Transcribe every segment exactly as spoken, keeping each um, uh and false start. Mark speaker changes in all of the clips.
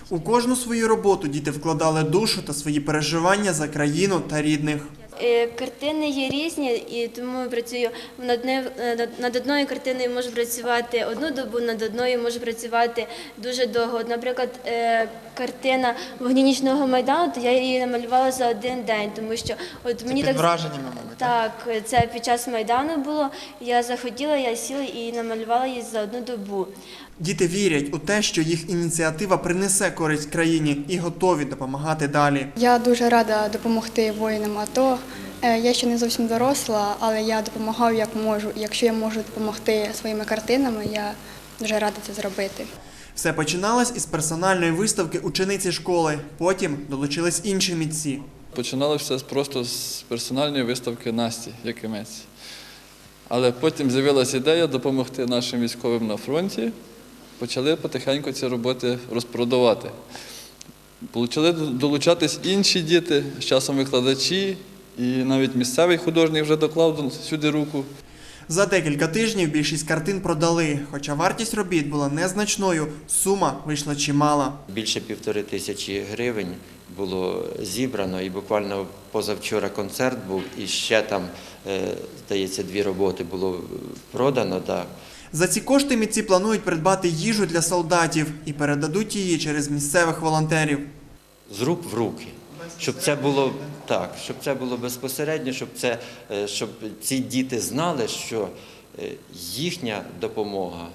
Speaker 1: У кожну свою роботу діти вкладали душу та свої переживання за країну та рідних.
Speaker 2: Е, Картини є різні, і тому працюю над одне- над- над одною картиною можу працювати одну добу, над одною можу працювати дуже довго. От, наприклад, е, картина «Вогні нічного Майдану», то я її намалювала за один день, тому що от мені
Speaker 3: Під
Speaker 2: так
Speaker 3: враженнями, мабуть, так?
Speaker 2: так, це під час Майдану було. Я захотіла, я сіла і намалювала її за одну добу.
Speaker 1: Діти вірять у те, що їх ініціатива принесе користь країні і готові допомагати далі.
Speaker 4: Я дуже рада допомогти воїнам АТО. Е, Я ще не зовсім доросла, але я допомагаю як можу. І якщо я можу допомогти своїми картинами, я дуже рада це зробити.
Speaker 1: Все починалось із персональної виставки учениці школи. Потім долучились інші митці.
Speaker 5: Починало все просто з персональної виставки Насті Якимець. Але потім з'явилася ідея допомогти нашим військовим на фронті. Почали потихеньку ці роботи розпродавати. Почали долучатись інші діти, з часом викладачі, і навіть місцевий художник вже доклав сюди руку.
Speaker 1: За декілька тижнів більшість картин продали. Хоча вартість робіт була незначною, сума вийшла чимала.
Speaker 6: Більше півтори тисячі гривень було зібрано, і буквально позавчора концерт був, і ще там, е, здається, дві роботи було продано. Да.
Speaker 1: За ці кошти митці планують придбати їжу для солдатів і передадуть її через місцевих волонтерів.
Speaker 6: З рук в руки. Щоб це було так, щоб це було безпосередньо, щоб це, е, щоб ці діти знали, що е, їхня допомога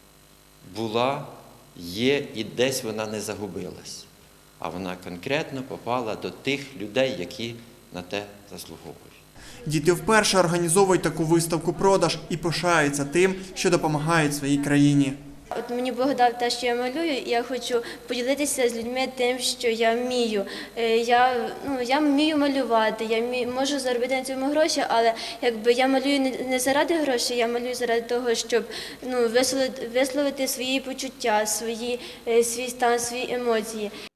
Speaker 6: була, є і десь вона не загубилась, а вона конкретно попала до тих людей, які на те заслуговують.
Speaker 1: Діти вперше організовують таку виставку-продаж і пишаються тим, що допомагають своїй країні.
Speaker 2: От мені Бог дав те, що я малюю, і я хочу поділитися з людьми тим, що я вмію. Е, Я, ну, я вмію малювати, я вмію, можу заробити на цьому гроші, але якби я малюю не, не заради грошей, я малюю заради того, щоб ну, висловити, висловити свої почуття, свої, е, свій стан, свої емоції.